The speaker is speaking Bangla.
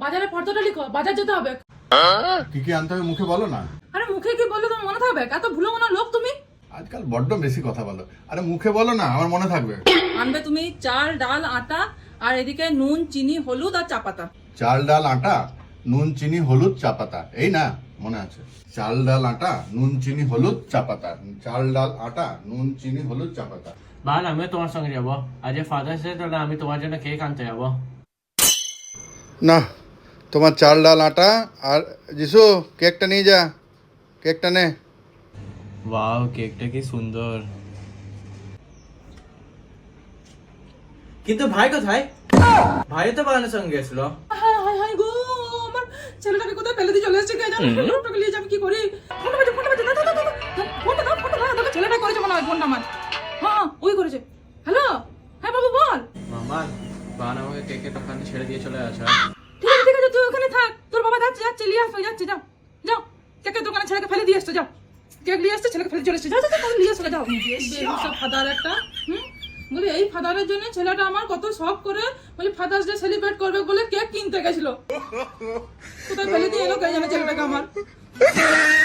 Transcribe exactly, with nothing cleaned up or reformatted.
বাজারে ফর্দটা লিখো, বাজার যেতে হবে। কি কি আনতে হবে মুখে বলো না। আরে মুখে কি বললে তোমার মনে থাকবে? এত ভুলো মনে লোক তুমি। আজকাল বড্ড বেশি কথা বলো। আরে মুখে বলো না, আমার মনে থাকবে। আনবে তুমি চাল ডাল আটা, আর এদিকে নুন চিনি হলুদ আর চা পাতা। চাল ডাল আটা নুন চিনি হলুদ চা পাতা, এই না মনে আছে? চাল ডাল আটা নুন চিনি হলুদ চা পাতা, চাল ডাল আটা নুন চিনি হলুদ চা পাতা। বাল আমিও তোমার সঙ্গে যাবো। আজ ফাদার্স ডে, তাহলে আমি তোমার জন্য কেক আনতে যাবো। না, তোমার চাল ডাল আটা আর যিশু কেকটা নিয়ে যা, কেকটা নে। ওয়াও, কেকটা কি সুন্দর। কিন্তু ভাই কোথায়? ভাই তো বাগানের সঙ্গে গেছিল। হায় হায় হায় গো, আমার ছেলেটাকে কোথায় ফেলে দিয়ে চলে এসেছে কে জানে। লোকটাকে নিয়ে যাবে কি করি? ফোনটা বাজে, ফোনটা বাজে, দাও দাও দাও দাও। ফোনটা দাও, ফোনটা দাও। দেখো ছেলেটা করেছে মনে হয় ফোনটা আমার। হ্যাঁ ওই করেছে। হ্যালো, হ্যাঁ বাবু বল। মামা, বাগান আমাকে কেকের দোকানে ছেড়ে দিয়ে চলে আসা। ঠিক আছে ঠিক আছে, তুই ওখানে থাক। তোর বাবা যাচ্ছে যাচ্ছে নিয়ে আসবে, যাচ্ছে যাও যাও। কেকের দোকানে ছেলেকে ফেলে দিয়ে আসতে যাও। কেক নিয়ে আসতে ছেলেকে ফেলে চলে এসছে, যাও যাও যাও, নিয়ে আসলে যাও। বেহুসা ফাদার একটা। হুম, বলি এই ফাদারের জন্য ছেলেটা আমার কত শখ করে বলি ফাদার্স ডে সেলিব্রেট করবে বলে কেক কিনতে গেছিল, কোথায় ফেলে দিয়ে এলো কে জানে ছেলেটাকে আমার।